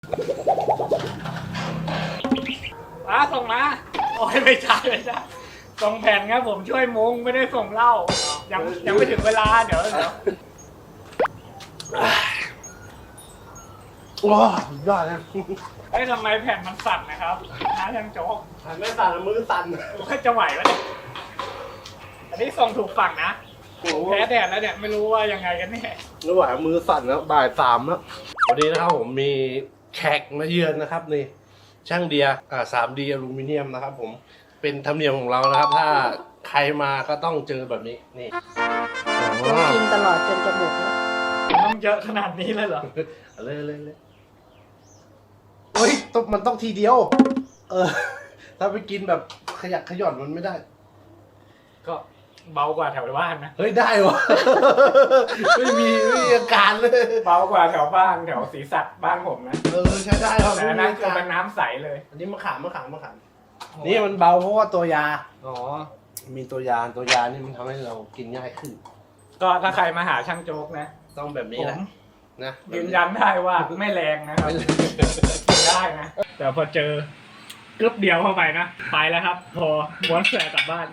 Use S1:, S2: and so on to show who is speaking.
S1: ส่งมาโอ้ยไม่ใช่ส่งแผ่นครับผมช่วยมุงไม่ได้ส่งเหล้ายังไม่ถึงเวลาเดี๋ยว
S2: ว้าวยอดนะ
S1: เฮ้ยทำไมแผ่นมันสั่นนะครับน้าช่างโจ๊ก
S2: ไม่สั่นมือสั่น
S1: ก็จะไหวไหมเนี่ยอันนี้ส่งถูกฝั่งนะแพ้แดดแล้วเนี่ยไม่รู้ว่ายังไงกันแน่
S2: ไม่ไหวมือสั่นแล้วบ่ายสามแล้ววันนี้นะครับผมมีแขกมาเยือนนะครับนี่ช่างเดีย3D อลูมิเนียมนะครับผมเป็นธรรมเนียมของเรานะครับ ถ้าใครมาก็ต้องเจอแบบนี้นี่
S3: ต้องกินตลอดจนจะหมดแล้ว
S1: ต้องเยอะขนาดนี้เลยเหรอ
S2: เลยเฮ้ยมันต้องทีเดียว ถ้าไปกินแบบขยักขย่อนมันไม่ได้
S1: ก็เบากว่าแถวบ้านนะ
S2: เฮ้ยได้วะ ไม่มีอาการเลย
S1: เบากว่าแถวบ้านแถวศรีสัตว์บ้านผมนะ
S2: ใช้ได้ครับ
S1: แต่อันนั้นคือเป็นน้ำใสเลย
S2: อันนี้มะขามนี่มันเบาเพราะว่าตัวยา
S1: อ๋อ
S2: มีตัวยานี่มันทำให้เรากินง่ายขึ้น
S1: ก็ถ้าใครมาหาช่างโจ๊กนะ
S2: ต้องแบบนี้
S1: ผม
S2: แหละนะ
S1: ยืนยันได้ว่าไม่แรงนะครับกินได้นะ แต่พอเจอกึ๊บเดียวเข้าไปนะ ไปแล้วครับ พอม้วนแสกลับบ้าน